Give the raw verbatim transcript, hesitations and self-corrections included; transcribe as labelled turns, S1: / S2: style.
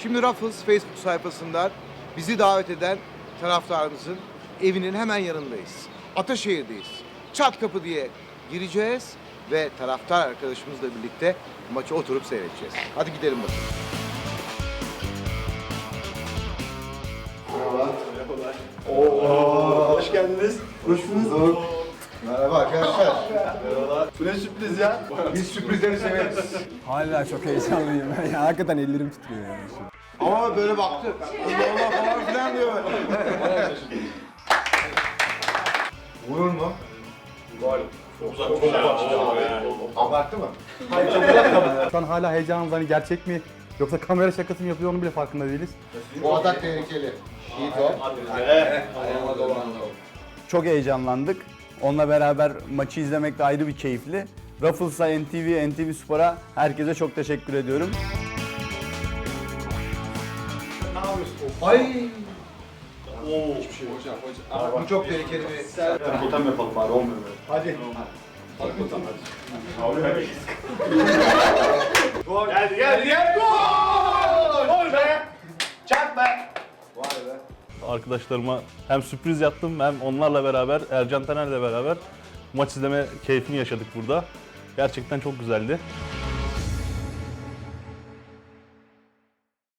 S1: Şimdi Ruffles Facebook sayfasından bizi davet eden taraftarımızın evinin hemen yanındayız. Ataşehir'deyiz. Çat kapı diye gireceğiz ve taraftar arkadaşımızla birlikte maçı oturup seyredeceğiz. Hadi gidelim bakalım.
S2: Oo, hoş geldiniz. Hoş bulduk.
S1: Merhaba arkadaşlar.
S2: Merhabalar. Bu ne sürpriz ya?
S1: Biz sürprizleri severiz.
S3: Hala çok heyecanlıyım. Ya, hakikaten ellerim titriyor yani.
S1: Ama böyle baktı. Allah Allah falan filan diyor. Vurur mu?
S2: Var. Çok uzak. Çok uzak.
S1: Abarttı mı?
S3: Şu an hala heyecanımız hani gerçek mi yoksa kamera şakası mı yapıyor onu bile farkında değiliz.
S1: Bu atak tehlikeli. İyi top.
S4: Çok heyecanlandık. Onunla beraber maçı izlemek de ayrı bir keyifli. Ruffles'a, N T V, N T V Spor'a herkese çok teşekkür ediyorum.
S1: Ay. Bu çok tehlikeli bir...
S2: Totem yapalım bari, olmuyor böyle.
S1: Hadi.
S2: Geldi geldi geldi. Gol! Gol be! Çak be!
S1: Vay be.
S5: Arkadaşlarıma hem sürpriz yaptım hem onlarla beraber, Ercan Taner'le beraber maç izleme keyfini yaşadık burada. Gerçekten çok güzeldi.